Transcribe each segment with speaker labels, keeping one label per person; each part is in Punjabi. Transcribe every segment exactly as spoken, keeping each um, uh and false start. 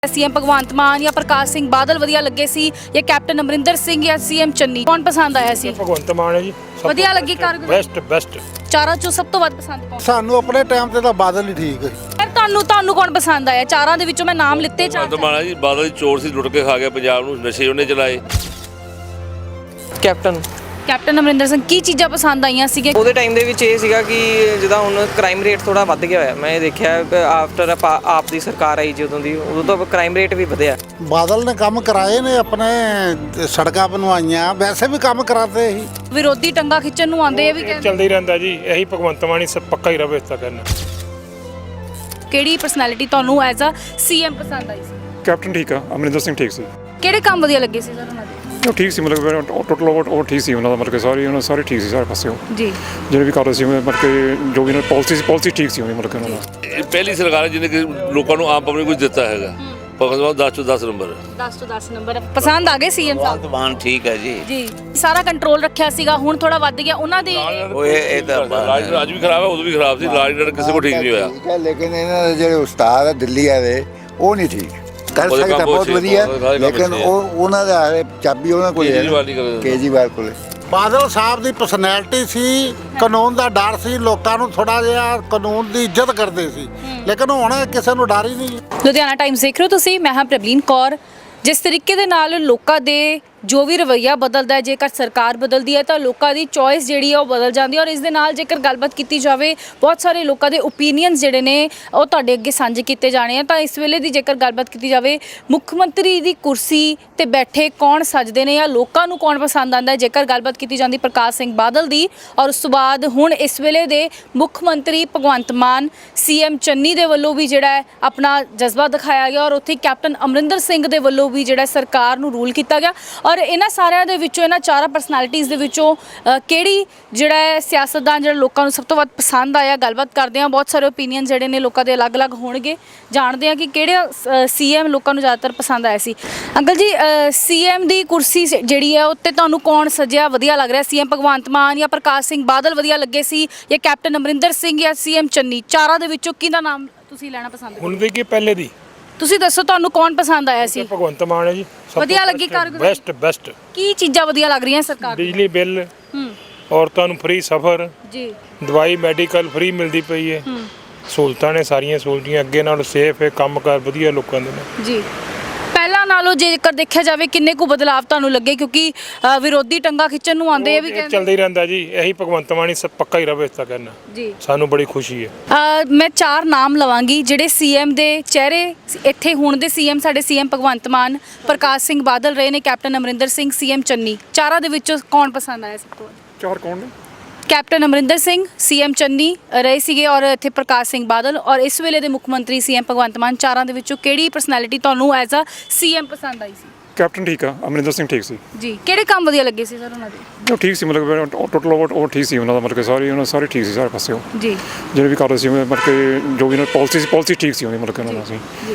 Speaker 1: सीएम भगवंत मान या प्रकाश सिंह बादल वधिया लगे सी या कैप्टन अमरिंदर सिंह या सीएम चन्नी कौन पसंद आया सी?
Speaker 2: भगवंत मान है जी
Speaker 1: वधिया लगी कारगुजारी
Speaker 2: बेस्ट बेस्ट
Speaker 1: चारों चों सब तो ਵੱਧ पसंद कौन?
Speaker 3: ਸਾਨੂੰ ਆਪਣੇ ਟਾਈਮ ਤੇ ਤਾਂ ਬਾਦਲ ਹੀ ਠੀਕ ਹੈ।
Speaker 1: ਫਿਰ ਤੁਹਾਨੂੰ ਤੁਹਾਨੂੰ ਕੌਣ ਪਸੰਦ ਆਇਆ? ਚਾਰਾਂ ਦੇ ਵਿੱਚੋਂ ਮੈਂ ਨਾਮ ਲਿੱਤੇ ਚਾਰ
Speaker 4: ਭਗਵੰਤ ਮਾਨ ਜੀ ਬਾਦਲ ਦੀ ਚੋਰ ਸੀ, ਲੁੱਟ ਕੇ ਖਾ ਗਿਆ ਪੰਜਾਬ ਨੂੰ, ਨਸ਼ੇ ਉਹਨੇ ਚਲਾਏ। ਕੈਪਟਨ
Speaker 1: ਕੈਪਟਨ ਅਮਰਿੰਦਰ ਸਿੰਘ ਕੀ ਚੀਜ਼ਾਂ ਪਸੰਦ ਆਈਆਂ ਸੀਗੇ?
Speaker 5: ਉਹਦੇ ਟਾਈਮ ਦੇ ਵਿੱਚ ਇਹ ਸੀਗਾ ਕਿ ਜਿੱਦਾਂ ਹੁਣ ਕ੍ਰਾਈਮ ਰੇਟ ਥੋੜਾ ਵੱਧ ਗਿਆ ਹੋਇਆ। ਮੈਂ ਇਹ ਦੇਖਿਆ ਆਫਟਰ ਆਪ ਦੀ ਸਰਕਾਰ ਆਈ ਜਦੋਂ ਦੀ, ਉਦੋਂ ਤੋਂ ਕ੍ਰਾਈਮ ਰੇਟ ਵੀ ਵਧਿਆ।
Speaker 3: ਬਾਦਲ ਨੇ ਕੰਮ ਕਰਾਏ ਨੇ, ਆਪਣੇ ਸੜਕਾਂ ਬਣਵਾਈਆਂ, ਵੈਸੇ ਵੀ ਕੰਮ ਕਰਾਤੇ ਹੀ।
Speaker 1: ਵਿਰੋਧੀ ਟੰਗਾ ਖਿੱਚਣ ਨੂੰ ਆਉਂਦੇ ਇਹ ਵੀ ਕਹਿੰਦੇ
Speaker 2: ਚੱਲਦਾ ਹੀ ਰਹਿੰਦਾ ਜੀ, ਇਹੀ ਭਗਵੰਤ ਮਾਨ ਹੀ ਸਭ ਪੱਕਾ ਹੀ ਰਵੇ ਇਸ ਤਾਂ ਕਰਨਾ।
Speaker 1: ਕਿਹੜੀ ਪਰਸਨੈਲਿਟੀ ਤੁਹਾਨੂੰ ਐਜ਼ ਅ ਸੀਐਮ ਪਸੰਦ ਆਈ ਸੀ?
Speaker 6: ਕੈਪਟਨ ਠੀਕ ਆ, ਅਮਰਿੰਦਰ ਸਿੰਘ ਠੀਕ ਸੀ।
Speaker 1: ਕਿਹੜੇ ਕੰਮ ਵਧੀਆ ਲੱਗੇ ਸੀ ਸਰ ਉਹਨਾਂ ਦੇ?
Speaker 6: ਉਹ ਠੀਕ ਸੀ, ਮਤਲਬ ਟੋਟਲ ਉਹ ਠੀਕ ਸੀ ਉਹਨਾਂ ਦਾ, ਮਤਲਬ ਕਿ ਸਾਰੀ ਉਹਨਾਂ ਸਾਰੇ ਠੀਕ ਸੀ ਸਾਰੇ ਪਾਸਿਓਂ
Speaker 1: ਜੀ
Speaker 6: ਜਿਹੜੇ ਵੀ ਕਰਦੇ ਸੀ, ਮਤਲਬ ਕਿ ਜੋ ਵੀ ਉਹਨਾਂ ਪਾਲਿਸੀ ਸੀ ਪਾਲਿਸੀ ਠੀਕ ਸੀ ਉਹਦੀ, ਮਤਲਬ ਕਿ ਉਹਨਾਂ ਦਾ।
Speaker 4: ਇਹ ਪਹਿਲੀ ਸਰਕਾਰ ਹੈ ਜਿਹਨੇ ਕਿ ਲੋਕਾਂ ਨੂੰ ਆਮ ਪਬਲਿਕ ਕੁਝ ਦਿੱਤਾ ਹੈਗਾ। ਭਗਵੰਤ ਮਾਨ ਦਸ ਤੋਂ ਦਸ ਨੰਬਰ
Speaker 1: ਦਸ ਤੋਂ ਦਸ ਨੰਬਰ ਪਸੰਦ ਆ ਗਏ ਸੀਐਮ ਸਾਹਿਬ?
Speaker 7: ਮਾਨ ਠੀਕ ਹੈ ਜੀ
Speaker 1: ਜੀ ਸਾਰਾ ਕੰਟਰੋਲ ਰੱਖਿਆ ਸੀਗਾ, ਹੁਣ ਥੋੜਾ ਵੱਧ ਗਿਆ ਉਹਨਾਂ ਦੇ।
Speaker 7: ਉਹ ਇਹ ਇਹ ਤਾਂ
Speaker 4: ਰਾਜ ਅੱਜ ਵੀ ਖਰਾਬ ਹੈ, ਉਦੋਂ ਵੀ ਖਰਾਬ ਸੀ। ਰਾਜ ਨਾਲ ਕਿਸੇ ਕੋਲ ਠੀਕ ਨਹੀਂ ਹੋਇਆ।
Speaker 8: ਠੀਕ ਹੈ, ਲੇਕਿਨ ਇਹਨਾਂ ਦੇ ਜਿਹੜੇ ਉਸਤਾਦ ਆ ਦਿੱਲੀ ਵਾਲੇ ਉਹ ਨਹੀਂ ਠੀਕ ਕਰ
Speaker 4: ਉਹਦੇ
Speaker 8: ਸਕਦਾ,
Speaker 4: ਕੰਮ
Speaker 8: ਬਹੁਤ
Speaker 4: ਅੱਛੇ,
Speaker 8: ਵਧੀਆ,
Speaker 4: ਉਹਦੇ ਕੰਮ
Speaker 8: ਲੇਕਿਨ
Speaker 4: ਅੱਛੇ
Speaker 8: ਉਹ ਉਹਨਾਂ ਦਾ ਹਾਲੇ ਚਾਬੀ ਉਹਨਾਂ ਕੋਲ ਹੈ,
Speaker 4: ਕੇਜਰੀਵਾਲ ਨਹੀਂ ਕਰਦਾ।
Speaker 8: ਕੇਜਰੀਵਾਲ ਕੋਲੇ।
Speaker 3: ਬਾਦਲ ਸਾਹਿਬ ਦੀ ਪਰਸਨੈਲਿਟੀ ਸੀ, ਕਾਨੂੰਨ ਦਾ ਡਰ ਸੀ, ਲੋਕਾਂ ਨੂੰ ਥੋੜਾ ਜਿਹਾ ਕਾਨੂੰਨ ਦੀ ਇੱਜ਼ਤ ਕਰਦੇ ਸੀ, ਲੇਕਿਨ ਹੁਣ ਕਿਸੇ ਨੂੰ ਡਰ ਹੀ ਨਹੀਂ।
Speaker 1: ਲੁਧਿਆਣਾ ਟਾਈਮਸ ਦੇਖ ਰਹੇ ਹੋ ਤੁਸੀਂ, ਮੈਂ ਹਾਂ ਪ੍ਰਬਲੀਨ ਕੌਰ। ਜਿਸ ਤਰੀਕੇ ਦੇ ਨਾਲ ਲੋਕਾਂ ਦੇ ਜੋ ਵੀ ਰਵੱਈਆ ਬਦਲਦਾ ਹੈ, ਜੇਕਰ ਸਰਕਾਰ ਬਦਲਦੀ ਹੈ ਤਾਂ ਲੋਕਾਂ ਦੀ ਚੋਇਸ ਜਿਹੜੀ ਹੈ ਉਹ ਬਦਲ ਜਾਂਦੀ ਹੈ। ਔਰ ਇਸ ਦੇ ਨਾਲ ਜੇਕਰ ਗੱਲਬਾਤ ਕੀਤੀ ਜਾਵੇ, ਬਹੁਤ ਸਾਰੇ ਲੋਕਾਂ ਦੇ ਓਪੀਨੀਅਨਸ ਜਿਹੜੇ ਨੇ ਉਹ ਤੁਹਾਡੇ ਅੱਗੇ ਸਾਂਝੇ ਕੀਤੇ ਜਾਣੇ ਆ। ਤਾਂ ਇਸ ਵੇਲੇ ਦੀ ਜੇਕਰ ਗੱਲਬਾਤ ਕੀਤੀ ਜਾਵੇ, ਮੁੱਖ ਮੰਤਰੀ ਦੀ ਕੁਰਸੀ ਤੇ ਬੈਠੇ ਕੌਣ ਸੱਜਦੇ ਨੇ ਜਾਂ ਲੋਕਾਂ ਨੂੰ ਕੌਣ ਪਸੰਦ ਆਉਂਦਾ ਹੈ, ਜੇਕਰ ਗੱਲਬਾਤ ਕੀਤੀ ਜਾਂਦੀ ਪ੍ਰਕਾਸ਼ ਸਿੰਘ ਬਾਦਲ ਦੀ, ਔਰ ਉਸ ਤੋਂ ਬਾਅਦ ਹੁਣ ਇਸ ਵੇਲੇ ਦੇ ਮੁੱਖ ਮੰਤਰੀ ਭਗਵੰਤ ਮਾਨ ਸੀਐਮ ਚੰਨੀ ਦੇ ਵੱਲੋਂ ਵੀ ਜਿਹੜਾ ਹੈ ਆਪਣਾ ਜਜ਼ਬਾ ਦਿਖਾਇਆ ਗਿਆ, ਔਰ ਉੱਥੇ ਕੈਪਟਨ ਅਮਰਿੰਦਰ ਸਿੰਘ ਦੇ ਵੱਲੋਂ ਵੀ ਜਿਹੜਾ ਸਰਕਾਰ ਨੂੰ ਰੂਲ ਕੀਤਾ ਗਿਆ। ਔਰ ਇਹਨਾਂ ਸਾਰਿਆਂ ਦੇ ਵਿੱਚੋਂ, ਇਹਨਾਂ ਚਾਰਾਂ ਪਰਸਨੈਲਿਟੀਜ਼ ਦੇ ਵਿੱਚੋਂ ਕਿਹੜੀ ਜਿਹੜਾ ਹੈ ਸਿਆਸਤਦਾਨ ਜਿਹੜਾ ਲੋਕਾਂ ਨੂੰ ਸਭ ਤੋਂ ਵੱਧ ਪਸੰਦ ਆਇਆ, ਗੱਲਬਾਤ ਕਰਦੇ ਹਾਂ। ਬਹੁਤ ਸਾਰੇ ਓਪੀਨੀਅਨ ਜਿਹੜੇ ਨੇ ਲੋਕਾਂ ਦੇ ਅਲੱਗ-ਅਲੱਗ ਹੋਣਗੇ, ਜਾਣਦੇ ਹਾਂ ਕਿ ਕਿਹੜੇ ਸੀਐਮ ਲੋਕਾਂ ਨੂੰ ਜ਼ਿਆਦਾਤਰ ਪਸੰਦ ਆਇਆ ਸੀ। ਅੰਕਲ ਜੀ, ਸੀਐਮ ਦੀ ਕੁਰਸੀ ਜਿਹੜੀ ਹੈ ਉੱਤੇ ਤੁਹਾਨੂੰ ਕੌਣ ਸਜਿਆ ਵਧੀਆ ਲੱਗ ਰਿਹਾ? ਸੀਐਮ ਭਗਵੰਤ ਮਾਨ ਜਾਂ ਪ੍ਰਕਾਸ਼ ਸਿੰਘ ਬਾਦਲ ਵਧੀਆ ਲੱਗੇ ਸੀ ਜਾਂ ਕੈਪਟਨ ਅਮਰਿੰਦਰ ਸਿੰਘ ਜਾਂ ਸੀਐਮ ਚੰਨੀ? ਚਾਰਾਂ ਦੇ ਵਿੱਚੋਂ ਕਿਹਦਾ ਨਾਮ ਤੁਸੀਂ ਲੈਣਾ ਪਸੰਦ ਕਰੋਗੇ?
Speaker 2: ਹੁਣ ਦੀ ਕੀ ਪਹਿਲੇ ਦੀ?
Speaker 1: ਤੁਸੀਂ ਦੱਸੋ ਤੁਹਾਨੂੰ ਕੌਣ ਪਸੰਦ ਆਇਆ ਸੀ?
Speaker 2: ਭਗਵੰਤ ਮਾਨ ਹੈ ਜੀ
Speaker 1: ਵਧੀਆ ਲੱਗੀ ਕਾਰਗੁਜ਼ਾਰੀ?
Speaker 2: Best best.
Speaker 1: ਕੀ ਚੀਜ਼ਾਂ ਵਧੀਆ ਲੱਗ ਰਹੀਆਂ ਸਰਕਾਰ ਦੀਆਂ?
Speaker 2: ਬਿਜਲੀ ਬਿੱਲ,
Speaker 1: ਹੂੰ
Speaker 2: ਔਰਤਾਂ ਨੂੰ ਫ੍ਰੀ ਸਫ਼ਰ,
Speaker 1: ਜੀ
Speaker 2: ਦਵਾਈ ਮੈਡੀਕਲ ਫ੍ਰੀ ਮਿਲਦੀ ਪਈ ਹੈ, ਸਹੂਲਤਾਂ ਨੇ ਸਾਰੀਆਂ ਸਹੂਲਤਾਂ ਅੱਗੇ ਨਾਲੋਂ ਸੇਫ ਹੈ, ਕੰਮਕਾਰ ਵਧੀਆ ਲੋਕਾਂ ਦੇ ਨੇ
Speaker 1: ਜੀ। ਪਹਿਲਾਂ ਨਾਲੋਂ ਜੇਕਰ ਦੇਖਿਆ ਜਾਵੇ ਕਿੰਨੇ ਕੁ ਬਦਲਾਵ ਤੁਹਾਨੂੰ ਲੱਗੇ? ਕਿਉਂਕਿ ਅ, ਵਿਰੋਧੀ ਟੰਗਾ ਖਿੱਚਣ ਨੂੰ ਆਉਂਦੇ ਇਹ ਵੀ ਕਹਿੰਦੇ
Speaker 2: ਚੱਲਦਾ ਹੀ ਰਹਿੰਦਾ ਜੀ, ਇਹੀ ਭਗਵੰਤ ਮਾਨ ਹੀ ਸਭ ਪੱਕਾ ਹੀ ਰਵੇ ਇਸ ਤਾਂ ਕਰਨਾ।
Speaker 1: ਜੀ
Speaker 2: ਸਾਨੂੰ ਬੜੀ ਖੁਸ਼ੀ ਹੈ।
Speaker 1: ਅ, ਮੈਂ ਚਾਰ ਨਾਮ ਲਵਾਂਗੀ ਜਿਹੜੇ ਸੀਐਮ ਦੇ ਚਿਹਰੇ ਇੱਥੇ ਹੁਣ ਦੇ ਸੀਐਮ ਸਾਡੇ ਸੀਐਮ ਭਗਵੰਤ ਮਾਨ, ਪ੍ਰਕਾਸ਼ ਸਿੰਘ ਬਾਦਲ ਰਹੇ ਨੇ, ਕੈਪਟਨ ਅਮਰਿੰਦਰ ਸਿੰਘ, ਸੀਐਮ ਚੰਨੀ। ਚਾਰਾਂ ਦੇ ਵਿੱਚੋਂ ਕੌਣ ਪਸੰਦ ਆਇਆ ਸਭ ਤੋਂ ਵੱਧ?
Speaker 6: ਚਾਰ ਕੌਣ ਨੇ?
Speaker 1: ਕੈਪਟਨ ਅਮਰਿੰਦਰ ਸਿੰਘ, ਸੀਐਮ ਚੰਨੀ ਰਹੇ ਸੀਗੇ, ਔਰ ਇੱਥੇ ਪ੍ਰਕਾਸ਼ ਸਿੰਘ ਬਾਦਲ, ਔਰ ਇਸ ਵੇਲੇ ਦੇ ਮੁੱਖ ਮੰਤਰੀ ਸੀਐਮ ਭਗਵੰਤ ਮਾਨ। ਚਾਰਾਂ ਦੇ ਵਿੱਚੋਂ ਕਿਹੜੀ ਪਰਸਨੈਲਿਟੀ ਤੁਹਾਨੂੰ ਐਜ਼ ਅ ਸੀਐਮ ਪਸੰਦ ਆਈ ਸੀ?
Speaker 6: ਕੈਪਟਨ ਠੀਕ ਆ, ਅਮਰਿੰਦਰ ਸਿੰਘ ਠੀਕ ਸੀ।
Speaker 1: ਜੀ ਕਿਹੜੇ ਕੰਮ ਵਧੀਆ ਲੱਗੇ ਸੀ ਸਰ ਉਹਨਾਂ ਦੇ?
Speaker 6: ਉਹ ਠੀਕ ਸੀ, ਮਤਲਬ ਟੋਟਲ ਉਹ ਠੀਕ ਸੀ ਉਹਨਾਂ ਦਾ, ਮਤਲਬ ਕਿ ਸਾਰੀ ਉਹਨਾਂ ਸਾਰੇ ਠੀਕ ਸੀ ਸਾਰੇ ਪਾਸਿਓਂ
Speaker 1: ਜੀ
Speaker 6: ਜਿਹੜੇ ਵੀ ਕਰਦੇ ਸੀ, ਮਤਲਬ ਕਿ ਜੋ ਵੀ ਉਹਨਾਂ ਪਾਲਿਸੀ ਸੀ ਪਾਲਿਸੀ ਠੀਕ ਸੀ ਉਹਦੀ, ਮਤਲਬ ਕਿ ਉਹਨਾਂ ਦਾ ਸੀ।
Speaker 1: ਜੀ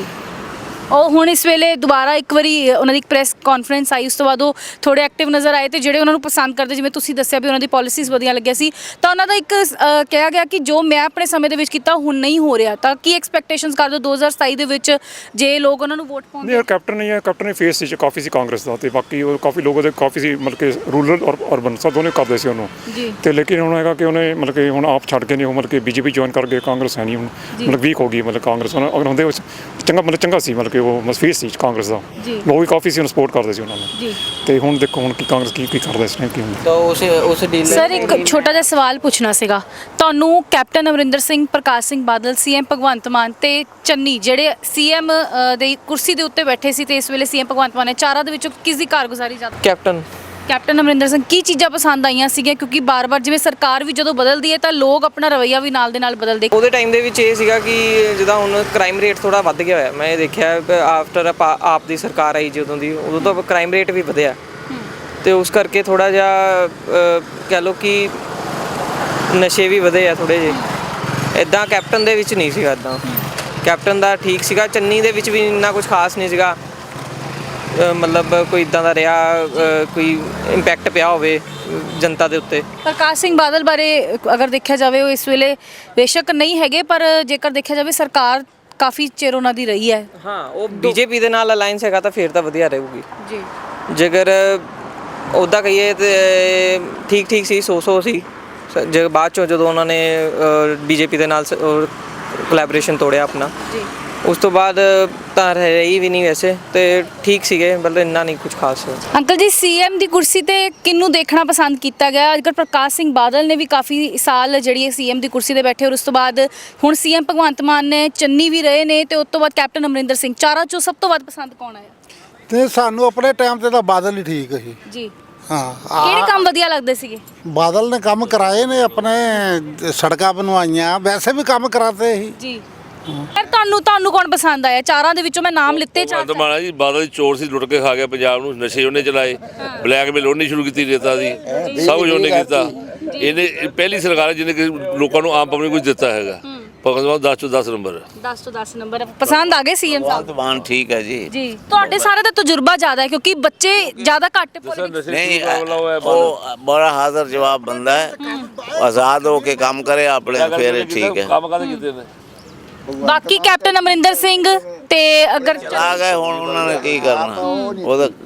Speaker 1: ਉਹ ਹੁਣ ਇਸ ਵੇਲੇ ਦੁਬਾਰਾ ਇੱਕ ਵਾਰੀ ਉਹਨਾਂ ਦੀ ਇੱਕ ਪ੍ਰੈਸ ਕਾਨਫਰੰਸ ਆਈ, ਉਸ ਤੋਂ ਬਾਅਦ ਉਹ ਥੋੜੇ ਐਕਟਿਵ ਨਜ਼ਰ ਆਏ ਤੇ ਜਿਹੜੇ ਉਹਨਾਂ ਨੂੰ ਪਸੰਦ ਕਰਦੇ, ਜਿਵੇਂ ਤੁਸੀਂ ਦੱਸਿਆ ਵੀ ਉਹਨਾਂ ਦੀ ਪਾਲਿਸੀਜ਼ ਵਧੀਆ ਲੱਗਿਆ ਸੀ, ਤਾਂ ਉਹਨਾਂ ਦਾ ਇੱਕ ਕਿਹਾ ਗਿਆ ਕਿ ਜੋ ਮੈਂ ਆਪਣੇ ਸਮੇਂ ਦੇ ਵਿੱਚ ਕੀਤਾ ਹੁਣ ਨਹੀਂ ਹੋ ਰਿਹਾ। ਤਾਂ ਕੀ ਐਕਸਪੈਕਟੇਸ਼ਨਸ ਕਰਦੇ ਦੋ ਹਜ਼ਾਰ ਸਤਾਈ ਦੇ ਵਿੱਚ ਜੇ ਲੋਕ ਉਹਨਾਂ ਨੂੰ ਵੋਟ ਪਾਉਂਦੇ?
Speaker 6: ਨਹੀਂ, ਕੈਪਟਨ ਨਹੀਂ ਹੈ, ਕੈਪਟਨ ਨੇ ਫੇਸ ਸੀ ਕਾਫੀ ਸੀ ਕਾਂਗਰਸ ਦਾ, ਤੇ ਬਾਕੀ ਉਹ ਕਾਫੀ ਲੋਕ ਉਹਦੇ ਕਾਫੀ ਸੀ, ਮਤਲਬ ਕਿ ਰੂਰਲ ਔਰ ਅਰਬਨ ਸਭ ਦੋਨੇ ਕਰਦੇ ਸੀ ਉਹਨੂੰ।
Speaker 1: ਜੀ
Speaker 6: ਤੇ ਲੇਕਿਨ ਹੁਣ ਹੈਗਾ ਕਿ ਉਹਨੇ ਮਤਲਬ ਕਿ ਹੁਣ ਆਪ ਛੱਡ ਕੇ ਨਹੀਂ, ਉਹ ਮਤਲਬ ਕਿ ਬੀਜੇਪੀ ਜੁਆਇਨ ਕਰ ਗਏ, ਕਾਂਗਰਸ ਹੈ ਨਹੀਂ ਹੁਣ, ਮਤਲਬ ਵੀਕ ਹੋ ਗਈ, ਮਤਲਬ ਕਾਂਗਰਸ ਉਹਨਾਂ ਅਗਰ ਹੁੰਦੇ ਚੰਗਾ ਮਤਲਬ ਚੰਗਾ ਸੀ, ਮਤਲਬ ਕਿ ਉਹ ਫੇਸ ਸੀ ਕਾਂਗਰਸ ਦਾ, ਲੋਕ ਵੀ ਕਾਫੀ ਸੀ ਉਹਨੂੰ ਸਪੋਰਟ ਕਰਦੇ ਸੀ ਉਹਨਾਂ ਨੂੰ।
Speaker 1: ਜੀ
Speaker 6: ਤੇ ਹੁਣ ਦੇਖੋ ਹੁਣ ਕੀ ਕਾਂਗਰਸ ਕੀ ਕੀ ਕਰਦਾ ਇਸ ਟਾਈਮ ਕੀ ਹੁੰਦਾ।
Speaker 5: ਤਾਂ ਉਸ ਉਸ ਡੀਲ
Speaker 1: ਸਰ ਇੱਕ ਛੋਟਾ ਜਿਹਾ ਸਵਾਲ ਪੁੱਛਣਾ ਸੀਗਾ ਤੁਹਾਨੂੰ। ਕੈਪਟਨ ਅਮਰਿੰਦਰ ਸਿੰਘ, ਪ੍ਰਕਾਸ਼ ਸਿੰਘ ਬਾਦਲ, ਸੀਐਮ ਭਗਵੰਤ ਮਾਨ ਤੇ ਚੰਨੀ ਜਿਹੜੇ ਸੀਐਮ ਦੇ ਕੁਰਸੀ ਦੇ ਉੱਤੇ ਬੈਠੇ ਸੀ ਤੇ ਇਸ ਵੇਲੇ ਸੀਐਮ ਭਗਵੰਤ ਮਾਨ ਨੇ, ਚਾਰਾਂ ਦੇ ਵਿੱਚੋਂ ਕਿਸ ਦੀ ਕਾਰਗੁਜ਼ਾਰੀ ਜ਼ਿਆਦਾ?
Speaker 5: Captain
Speaker 1: captain Amarinder Singh. ਕੀ ਚੀਜ਼ਾਂ ਪਸੰਦ ਆਈਆਂ ਸੀਗੀਆਂ? ਕਿਉਂਕਿ ਬਾਰ-ਬਾਰ ਜਿਵੇਂ ਸਰਕਾਰ ਵੀ ਜਦੋਂ ਬਦਲਦੀ ਹੈ ਤਾਂ ਲੋਕ ਆਪਣਾ ਰਵੱਈਆ ਵੀ ਨਾਲ ਦੇ ਨਾਲ ਬਦਲਦੇ।
Speaker 5: ਉਹਦੇ ਟਾਈਮ ਦੇ ਵਿੱਚ ਇਹ ਸੀਗਾ ਕਿ ਜਿੱਦਾਂ ਹੁਣ ਕ੍ਰਾਈਮ ਰੇਟ ਥੋੜਾ ਵੱਧ ਗਿਆ ਹੋਇਆ। ਮੈਂ ਇਹ ਦੇਖਿਆ ਆਫਟਰ ਆਪ ਦੀ ਸਰਕਾਰ ਆਈ ਜਦੋਂ ਦੀ, ਉਦੋਂ ਤੋਂ ਕ੍ਰਾਈਮ ਰੇਟ ਵੀ ਵਧਿਆ, ਤੇ ਉਸ ਕਰਕੇ ਥੋੜਾ ਜਿਹਾ ਕਹਿ ਲਓ ਕਿ ਨਸ਼ੇ ਵੀ ਵਧੇ ਆ ਥੋੜੇ ਜਿਹੇ। ਇੱਦਾਂ ਕੈਪਟਨ ਦੇ ਵਿੱਚ ਨਹੀਂ ਸੀਗਾ, ਇੱਦਾਂ ਕੈਪਟਨ ਦਾ ਠੀਕ ਸੀਗਾ। ਚੰਨੀ ਦੇ ਵਿੱਚ ਵੀ ਇੰਨਾ ਕੁਝ ਖਾਸ ਨਹੀਂ ਸੀਗਾ, ਮਤਲਬ ਕੋਈ ਇਦਾਂ ਦਾ ਰਿਹਾ ਕੋਈ ਇੰਪੈਕਟ ਪਿਆ ਹੋਵੇ ਜਨਤਾ ਦੇ ਉੱਤੇ।
Speaker 1: ਪ੍ਰਕਾਸ਼ ਸਿੰਘ ਬਾਦਲ ਬਾਰੇ ਅਗਰ ਦੇਖਿਆ ਜਾਵੇ, ਉਹ ਇਸ ਵੇਲੇ ਬੇਸ਼ੱਕ ਨਹੀਂ ਹੈਗੇ, ਪਰ ਜੇਕਰ ਦੇਖਿਆ ਜਾਵੇ ਸਰਕਾਰ ਕਾਫੀ ਚਿਰ ਉਹਨਾਂ ਦੀ ਰਹੀ ਹੈ।
Speaker 5: ਹਾਂ ਉਹ ਬੀਜੇਪੀ ਦੇ ਨਾਲ ਅਲਾਈਅੰਸ ਹੈਗਾ ਤਾਂ ਫਿਰ ਤਾਂ ਵਧੀਆ ਰਹੂਗੀ
Speaker 1: ਜੀ
Speaker 5: ਜੇਕਰ ਉੱਦਾਂ ਕਹੀਏ ਤੇ ਠੀਕ ਠੀਕ ਸੀ ਸੌ ਸੌ ਸੀ ਸ- ਜੇ ਬਾਅਦ ਚੋਂ ਜਦੋਂ ਉਹਨਾਂ ਨੇ ਬੀਜੇਪੀ ਦੇ ਨਾਲ ਕੋਲੈਬੋਰੇਸ਼ਨ ਤੋੜਿਆ ਆਪਣਾ
Speaker 1: ਜੀ
Speaker 5: ਉਸ ਤੋਂ ਬਾਅਦ ਤਾਂ ਰਹੀ ਵੀ ਨਹੀਂ ਵੈਸੇ ਤੇ ਠੀਕ ਸੀਗੇ ਮਤਲਬ ਇੰਨਾ ਨਹੀਂ ਕੁਝ ਖਾਸ
Speaker 1: ਅੰਕਲ ਜੀ ਸੀਐਮ ਦੀ ਕੁਰਸੀ ਤੇ ਕਿਹਨੂੰ ਦੇਖਣਾ ਪਸੰਦ ਕੀਤਾ ਗਿਆ? ਅੱਜਕੱਲ੍ਹ ਪ੍ਰਕਾਸ਼ ਸਿੰਘ ਬਾਦਲ ਨੇ ਵੀ ਕਾਫੀ ਸਾਲ ਜਿਹੜੀ ਹੈ ਸੀਐਮ ਦੀ ਕੁਰਸੀ ਤੇ ਬੈਠੇ ਔਰ ਉਸ ਤੋਂ ਬਾਅਦ ਹੁਣ ਸੀਐਮ ਭਗਵੰਤ ਮਾਨ ਨੇ ਚੰਨੀ ਵੀ ਰਹੇ ਨੇ ਤੇ ਉਸ ਤੋਂ ਬਾਅਦ ਕੈਪਟਨ ਅਮਰਿੰਦਰ ਸਿੰਘ। ਚਾਰਾਂ ਚੋਂ ਸਭ ਤੋਂ ਵੱਧ ਪਸੰਦ ਕੌਣ ਆਇਆ?
Speaker 3: ਤੇ ਸਾਨੂੰ ਆਪਣੇ ਟਾਈਮ ਤੇ ਤਾਂ ਬਾਦਲ ਹੀ ਠੀਕ ਸੀ।
Speaker 1: ਜੀ
Speaker 3: ਹਾਂ
Speaker 1: ਕਿਹੜੇ ਕੰਮ ਵਧੀਆ ਲੱਗਦੇ ਸੀਗੇ?
Speaker 3: ਬਾਦਲ ਨੇ ਕੰਮ ਕਰਾਏ ਨੇ, ਆਪਣੇ ਸੜਕਾਂ ਬਣਵਾਈਆਂ, ਵੈਸੇ ਵੀ ਕੰਮ ਕਰਾਤੇ ਸੀ।
Speaker 1: ਜੀ ਯਾਰ ਤੁਹਾਨੂੰ ਤੁਹਾਨੂੰ ਕੌਣ ਪਸੰਦ ਆਇਆ? ਚਾਰਾਂ ਦੇ ਵਿੱਚੋਂ ਮੈਂ ਨਾਮ ਲਿੱਤੇ ਚਾਰ
Speaker 4: ਭਗਵੰਤ ਮਾਨ ਜੀ ਬਾਦਲ ਦੀ ਚੋਰ ਸੀ, ਲੁੱਟ ਕੇ ਖਾ ਗਿਆ ਪੰਜਾਬ ਨੂੰ, ਨਸ਼ੇ ਉਹਨੇ ਚਲਾਏ, ਬਲੈਕਮੇਲ ਉਹਨੇ ਸ਼ੁਰੂ ਕੀਤੀ ਰੇਤਾ ਦੀ, ਸਭ ਕੁਝ ਉਹਨੇ ਕੀਤਾ। ਇਹਨੇ ਇਹ ਪਹਿਲੀ ਸਰਕਾਰ ਹੈ ਜਿਹਨੇ ਕਿ ਲੋਕਾਂ ਨੂੰ ਆਮ ਪਬਲਿਕ ਕੁਝ ਦਿੱਤਾ ਹੈਗਾ। ਭਗਵੰਤ ਮਾਨ ਦਸ ਚੋਂ ਦਸ ਨੰਬਰ।
Speaker 1: ਦਸ ਤੋਂ ਦਸ ਨੰਬਰ ਪਸੰਦ ਆ ਗਏ ਸੀਐਮ ਸਾਹਿਬ?
Speaker 7: भगवान ठीक है जी
Speaker 1: ਜੀ ਤੁਹਾਡੇ ਸਾਰੇ ਦਾ ਤਜਰਬਾ ਜ਼ਿਆਦਾ ਹੈ ਕਿਉਂਕਿ ਬੱਚੇ ਜ਼ਿਆਦਾ ਘੱਟ politics-
Speaker 7: नहीं वो बड़ा हाजिर जवाब बंदा है आजाद होके काम करे अपने फिर ठीक है
Speaker 4: ਕੰਮ ਕਾਹਦੇ ਕੀਤੇ ਨੇ?
Speaker 1: ਬਾਕੀ ਕੈਪਟਨ ਅਮਰਿੰਦਰ ਸਿੰਘ ਤੇ ਅਗਰ
Speaker 7: आ गए हुण उन्होंने की करना वो तो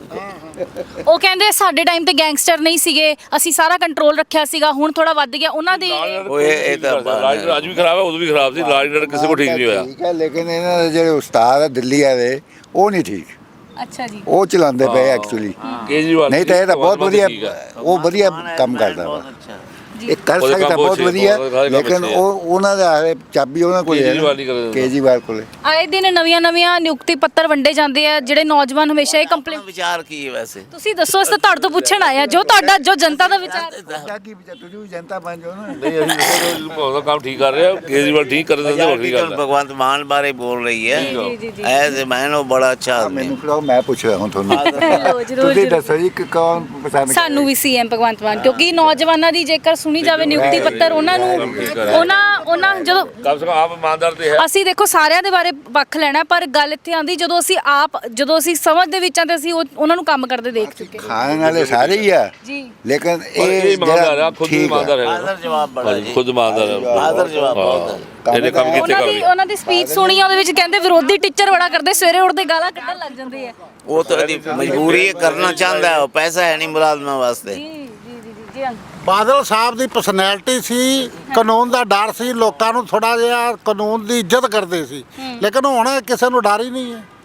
Speaker 1: ਉਹ ਕਹਿੰਦੇ ਸਾਡੇ ਟਾਈਮ ਤੇ ਗੈਂਗਸਟਰ ਨਹੀਂ ਸੀਗੇ, ਅਸੀਂ ਸਾਰਾ ਕੰਟਰੋਲ ਰੱਖਿਆ ਸੀਗਾ, ਹੁਣ ਥੋੜਾ ਵੱਧ ਗਿਆ ਉਹਨਾਂ ਦੇ।
Speaker 7: ਉਹ ਇਹ ਇਹ ਤਾਂ
Speaker 4: ਰਾਜ ਅੱਜ ਵੀ ਖਰਾਬ ਹੈ, ਉਦੋਂ ਵੀ ਖਰਾਬ ਸੀ। ਰਾਜ ਨਾਲ ਕਿਸੇ ਕੋ ਠੀਕ ਨਹੀਂ ਹੋਇਆ।
Speaker 8: ਠੀਕ ਹੈ, ਲੇਕਿਨ ਇਹਨਾਂ ਦੇ ਜਿਹੜੇ ਉਸਤਾਦ ਆ ਦਿੱਲੀ ਵਾਲੇ ਉਹ ਨਹੀਂ ਠੀਕ,
Speaker 1: ਅੱਛਾ ਜੀ
Speaker 8: ਉਹ ਚਲਾਉਂਦੇ ਪਏ ਐਕਚੁਅਲੀ।
Speaker 4: ਕੇਜਰੀਵਾਲ
Speaker 8: ਨਹੀਂ ਤਾਂ ਇਹ ਤਾਂ ਬਹੁਤ
Speaker 4: ਭਗਵੰਤ
Speaker 8: ਵਧੀਆ,
Speaker 4: ਠੀਕ ਹੈ।
Speaker 8: ਉਹ ਵਧੀਆ ਕੰਮ ਕਰਦਾ ਵਾ, ਇਹ ਕਰ
Speaker 4: ਉਹਦੇ
Speaker 8: ਸਕਦਾ
Speaker 4: ਕੰਮ
Speaker 8: ਬਹੁਤ
Speaker 4: ਅੱਛੇ,
Speaker 8: ਵਧੀਆ,
Speaker 4: ਉਹਦੇ ਸਾਰੇ ਕੰਮ
Speaker 8: ਲੇਕਿਨ
Speaker 4: ਅੱਛੇ ਆ।
Speaker 8: ਉਹ ਉਹਨਾਂ ਦਾ ਹਾਲੇ ਚਾਬੀ ਉਹਨਾਂ ਕੋਲ ਹੈ
Speaker 4: ਕੇਜਰੀਵਾਲ ਨਹੀਂ ਕਰਦਾ।
Speaker 8: ਕੇਜਰੀਵਾਲ ਕੋਲੇ।
Speaker 1: ਆਏ ਦਿਨ ਨਵੀਆਂ ਨਵੀਆਂ ਨਿਯੁਕਤੀ ਪੱਤਰ ਵੰਡੇ ਜਾਂਦੇ ਆ, ਜਿਹੜੇ ਨੌਜਵਾਨ ਹਮੇਸ਼ਾ ਇਹ ਕੰਪਲੇਂਟ।
Speaker 7: विचार की है वैसे
Speaker 1: ਤੁਸੀਂ ਦੱਸੋ, ਇਸ ਤਾਂ ਤੁਹਾਡੇ ਤੋਂ ਪੁੱਛਣ ਆਇਆ ਜੋ ਤੁਹਾਡਾ ਜੋ ਜਨਤਾ ਦਾ ਵਿਚਾਰ।
Speaker 8: ਸਾਡਾ ਕੀ ਵਿਚਾਰ, ਤੁਸੀਂ ਵੀ ਜਨਤਾ ਬਣ ਜਾਓ ਨਾ।
Speaker 4: ਨਹੀਂ ਅਸੀਂ ਭਗਵੰਤ ਦਾ ਕੰਮ ਠੀਕ ਕਰ ਰਹੇ ਆ, ਕੇਜਰੀਵਾਲ ਠੀਕ ਕਰ ਦਿੰਦੇ ਵੱਖਰੀ ਗੱਲ ਹੈ।
Speaker 7: भगवंत मान बारे बोल रही है
Speaker 1: ਜੀ ਜੀ ਜੀ
Speaker 7: ऐसे मैन वो बड़ा अच्छा आदमी
Speaker 8: ਮੈਨੂੰ ਖਿਲਾਓ, ਮੈਂ ਪੁੱਛ ਰਿਹਾ ਹਾਂ ਤੁਹਾਨੂੰ।
Speaker 1: ਜ਼ਰੂਰ ਜ਼ਰੂਰ
Speaker 8: ਤੁਸੀਂ
Speaker 1: ਜ਼ਰੂਰ।
Speaker 8: ਦੱਸੋ ਜੀ ਕਿ ਕੌਣ ਪਸੰਦ
Speaker 1: ਸਾਨੂੰ ਵੀ ਸੀਐਮ ਭਗਵੰਤ ਮਾਨ, ਕਿਉਂਕਿ ਨੌਜਵਾਨਾਂ ਦੀ ਜੇਕਰ ਸੁਣੀ ਜਾਵੇ ਨਿਯੁਕਤੀ ਪੱਤਰ, ਉਹਨਾਂ ਨੂੰ ਉਹਨਾਂ ਉਹਨਾਂ ਜਦੋਂ
Speaker 4: ਕਮ ਸੇ ਕਮ ਆਪ ਇਮਾਨਦਾਰ ਤੇ ਹੈ।
Speaker 1: ਅਸੀਂ ਦੇਖੋ ਸਾਰਿਆਂ ਦੇ ਬਾਰੇ ਪੱਖ ਲੈਣਾ, ਪਰ ਗੱਲ ਇੱਥੇ ਆਂਦੀ ਜਦੋਂ ਅਸੀਂ ਆਪ ਜਦੋਂ ਅਸੀਂ ਸਮਝ ਦੇ ਵਿੱਚ ਆਂ ਤੇ ਅਸੀਂ ਉਹ- ਉਹਨਾਂ ਨੂੰ ਕੰਮ ਕਰਦੇ ਦੇਖ ਚੁੱਕੇ।
Speaker 8: ਖਾਣ ਵਾਲੇ ਸਾਰੇ ਹੀ ਆ,
Speaker 1: ਜੀ
Speaker 8: ਲੇਕਿਨ
Speaker 4: ਪਰ
Speaker 8: ਇਹ
Speaker 4: ਇਹ ਇਮਾਨਦਾਰ ਆ, ਖੁਦ
Speaker 8: ਠੀਕ
Speaker 4: ਇਮਾਨਦਾਰ ਹੈ।
Speaker 7: हाजिर जवाब बड़ा जी
Speaker 4: ਖੁਦ ਇਮਾਨਦਾਰ ਹੈ।
Speaker 7: हाजिर जवाब बहुत है
Speaker 4: ਇਹਨੇ ਕੰਮ ਕੀਤੇ
Speaker 1: ਉਹਨਾਂ
Speaker 4: ਕਰ
Speaker 1: ਦੀ ਉਹਨਾਂ ਦੀ ਸਪੀਚ ਸੁਣੀ, ਉਹਦੇ ਵਿੱਚ ਕਹਿੰਦੇ ਵਿਰੋਧੀ ਟੀਚਰ ਬੜਾ ਕਰਦੇ, ਸਵੇਰੇ ਉੱਠਦੇ ਗਾਲਾਂ ਕੱਢਣ ਲੱਗ ਜਾਂਦੇ ਆ।
Speaker 7: वो तो यदि मजबूरी है करना चाहता है वो पैसा है नहीं मुलाजमा वास्ते
Speaker 1: ਜੀ ਜੀ ਜੀ ਜੀ ਜੀ ਅੰਕਲ।
Speaker 3: ਬਾਦਲ ਸਾਹਿਬ ਦੀ ਪਰਸਨੈਲਿਟੀ ਸੀ, ਕਾਨੂੰਨ ਦਾ ਡਰ ਸੀ, ਲੋਕਾਂ ਨੂੰ ਥੋੜਾ ਜਿਹਾ ਕਾਨੂੰਨ ਦੀ ਇੱਜ਼ਤ ਕਰਦੇ ਸੀ, ਲੇਕਿਨ ਹੁਣ ਕਿਸੇ ਨੂੰ ਡਰ ਹੀ ਨਹੀਂ ਹੈ।